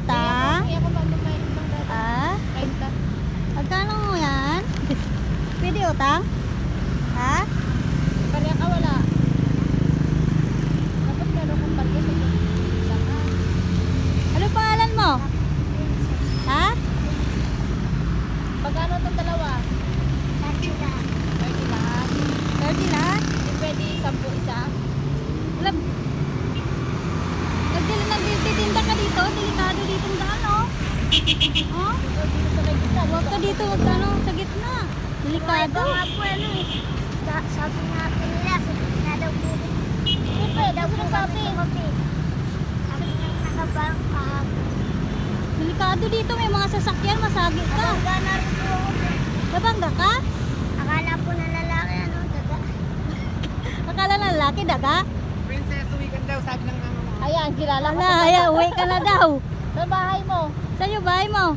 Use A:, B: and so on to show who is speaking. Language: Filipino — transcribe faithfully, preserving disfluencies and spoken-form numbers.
A: utang?
B: Hindi ako magbabayad ng dati.
A: Ah?
B: treinta.
A: Magkano mo yan? Pwede utang? Ha?
B: Kanya ka wala. Dapat meron kong palya sa saka.
A: Ano pangalan mo? Ha?
B: Pagkano itong dalawa? thirty lahat. thirty lahat.
A: thirty lahat?
B: Hindi pwede sampu isa.
A: Alam, nagdala nagtitinda ka dito, delikado dito ang daan, oh. Oh?
B: Ito dito sa may gitna.
A: Huwag ka dito, huwag ka ano, sa gitna. Delikado.
B: nga po ano eh. Sa- Sabi nga po nila, sa gitna daw po. Hindi pa eh, daw po sabi. Sabi nga nakabang kahapon.
A: Delikado dito, may mga sasakyan, masagi ka.
B: Nabangga na rin po ako.
A: Nabangga ka?
B: Akala po na lalaki ano, daga.
A: Akala na lalaki, daga?
C: Princess, uwi ka daw, sabi ng mama mo.
B: Ayan, kilala ko.
A: Wala, ayan, uwi ka na daw.
B: Sa bahay mo.
A: Sa'yo, bahay mo.